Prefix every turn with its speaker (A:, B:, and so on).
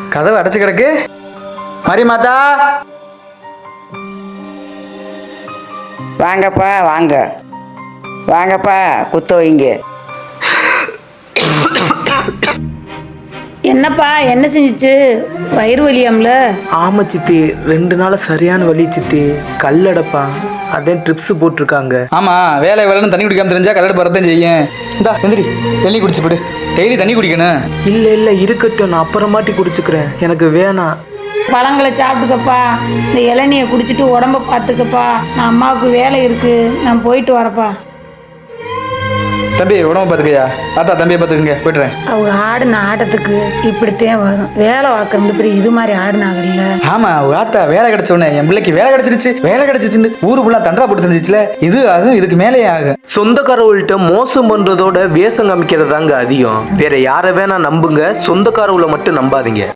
A: கதவு அடைச்சு கிடக்கு. மாரியமாத்தா,
B: வாங்கப்பா வாங்க, வாங்கப்பா குத்த வைங்க.
C: என்னப்பா என்ன செஞ்சிச்சு? வயிறு வலியாம்ல?
D: ஆமா சித்தி, 2 நாள் சரியான வலி சித்தி. கல்லடப்பா, அதே ட்ரிப்ஸ் போட்டிருக்காங்க.
A: ஆமா வேலை வேலைன்னு தண்ணி குடிக்காம தெரிஞ்சா கல்லடை பறத்தான் செய்யும். இந்தா எந்திரி, தண்ணி குடிச்சு போடு. டெய்லி தண்ணி குடிக்கணும்.
D: இல்ல இருக்கட்டும், நான் அப்புறமாட்டி குடிச்சுக்கிறேன், எனக்கு வேணாம்.
C: பழங்களை சாப்பிட்டுக்கப்பா. இந்த இளநியை குடிச்சிட்டு உடம்ப பார்த்துக்கப்பா. நான் அம்மாவுக்கு வேலை இருக்கு, நான் போயிட்டு வரப்பா.
A: தம்பி உடம்பு பார்த்துக்கையா. ஆத்தா தம்பியை பார்த்துக்குங்க, போய்ட்டுறேன்.
C: அவங்க ஆடின ஆட்டத்துக்கு இப்படித்தான் வரும். வேலை பார்க்கறது பெரிய இது மாதிரி ஆடினாங்கல்ல.
A: ஆமா ஆத்தா வேலை கிடைச்ச உடனே என் பிள்ளைக்கு வேலை கிடைச்சிருச்சு, வேலை கிடைச்சிச்சுன்னு ஊரு ஃபுல்லா தண்டரா போட்டு தெரிஞ்சிச்சுல. இது ஆகும், இதுக்கு மேலேயே ஆகும்.
D: சொந்தக்காரவள்கிட்ட மோசம் பண்றதோட வேஷம் காமிக்கிறது தாங்க அதிகம். வேற யாரை வேணா நம்புங்க, சொந்தக்காரவளை மட்டும் நம்பாதீங்க.